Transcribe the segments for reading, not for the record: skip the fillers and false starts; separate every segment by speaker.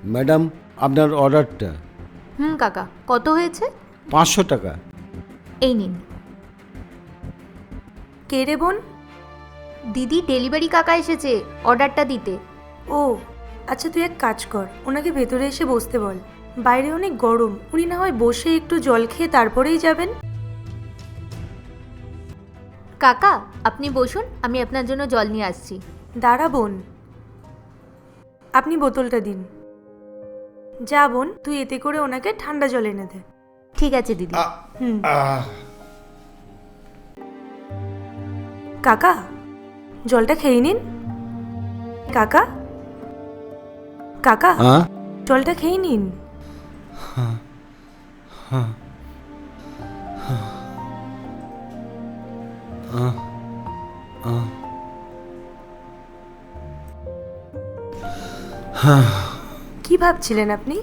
Speaker 1: Madam, আপনার অর্ডারটা।
Speaker 2: কাকা, কত হয়েছে?
Speaker 1: 500 টাকা।
Speaker 2: এই নিন।
Speaker 3: কে রে বোন?
Speaker 2: দিদি, ডেলিভারি কাকা এসেছে অর্ডারটা দিতে।
Speaker 3: ও আচ্ছা, তুই এক কাজ কর, ওনাকে ভেতরে এসে বসতে বল। বাইরে অনেক গরম, উনি না হয় বসে একটু জল খেয়ে তারপরেই যাবেন।
Speaker 2: কাকা, আপনি বসুন, আমি আপনার জন্য জল নিয়ে আসছি।
Speaker 3: দাঁড়া বোন, আপনি বোতলটা দিন। যা বোন, তুই এতে করে ওনাকে ঠান্ডা জল এনে দে।
Speaker 2: ঠিক আছে দিদি।
Speaker 3: হুম। কাকা, জলটা খেয়ে নিন। কাকা, কাকা, জলটা খেয়ে নিন। কি ভাবছিলেন আপনি?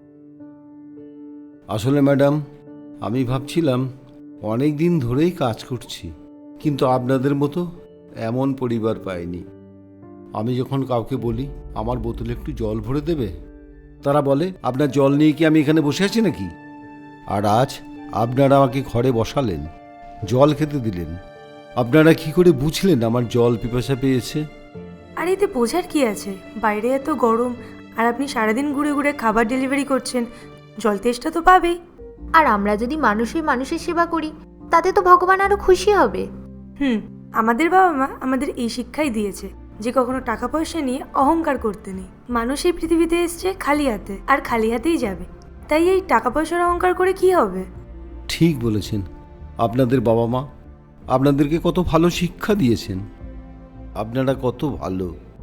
Speaker 1: আসলে ম্যাডাম, আমি ভাবছিলাম অনেক দিন ধরেই কাজ করছি, কিন্তু আপনাদের মতো এমন পরিবার পাইনি। আমি যখন কাউকে বলি আমার বোতলে একটু জল ভরে দেবে, তারা বলে আপনার জল নিয়ে কি আমি এখানে বসে আছি নাকি। আর আজ আপনারা আমাকে ঘরে বসালেন, জল খেতে দিলেন। আপনারা কি করে বুঝলেন আমার জল পিপাসা পেয়েছে?
Speaker 3: আর এতে বোঝার কি আছে? বাইরে এত গরম, আর আপনি সারাদিন ঘুরে ঘুরে খাবার ডেলিভারি করছেন, জল তেষ্টা তো পাবেই।
Speaker 2: আর আমরা যদি মানুষের সেবা করি, তাতে তো ভগবান আরো খুশি হবে।
Speaker 3: আমাদের বাবা মা আমাদের এই শিক্ষাই দিয়েছে যে কখনো টাকা পয়সা নিয়ে অহংকার করতে নেই। মানুষ এই পৃথিবীতে এসছে খালি হাতে, আর খালি হাতেই যাবে। তাই এই টাকা পয়সার অহংকার করে কি হবে?
Speaker 1: ঠিক বলেছেন। আপনাদের বাবা মা আপনাদেরকে কত ভালো শিক্ষা দিয়েছেন। আপনারা কত ভালো।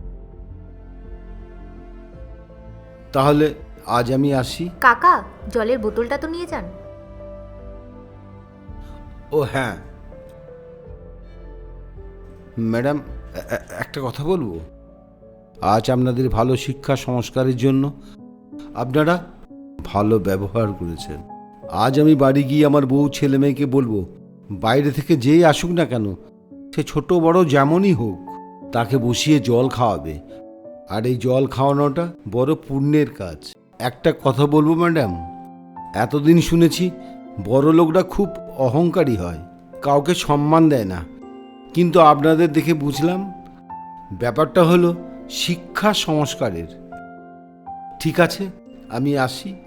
Speaker 1: তাহলে আজ আমি আসি।
Speaker 2: কাকা, জলের বোতলটা তো নিয়ে যান।
Speaker 1: ও হ্যাঁ ম্যাডাম, একটা কথা বলবো। আজ আপনাদের ভালো শিক্ষা সংস্কারের জন্য আপনারা ভালো ব্যবহার করেছেন। আজ আমি বাড়ি গিয়ে আমার বউ ছেলে মেয়েকে বলবো, বাইরে থেকে যেই আসুক না কেন, সে ছোট বড় যেমনই হোক, তাকে বসিয়ে জল খাওয়াবে। আর এই জল খাওয়ানোটা বড় পুণ্যের কাজ। একটা কথা বলবো ম্যাডাম, এতদিন শুনেছি বড় লোকরা খুব অহংকারী হয়, কাউকে সম্মান দেয় না, কিন্তু আপনাদের দেখে বুঝলাম ব্যাপারটা হলো শিক্ষা সংস্কারের। ঠিক আছে, আমি আসি।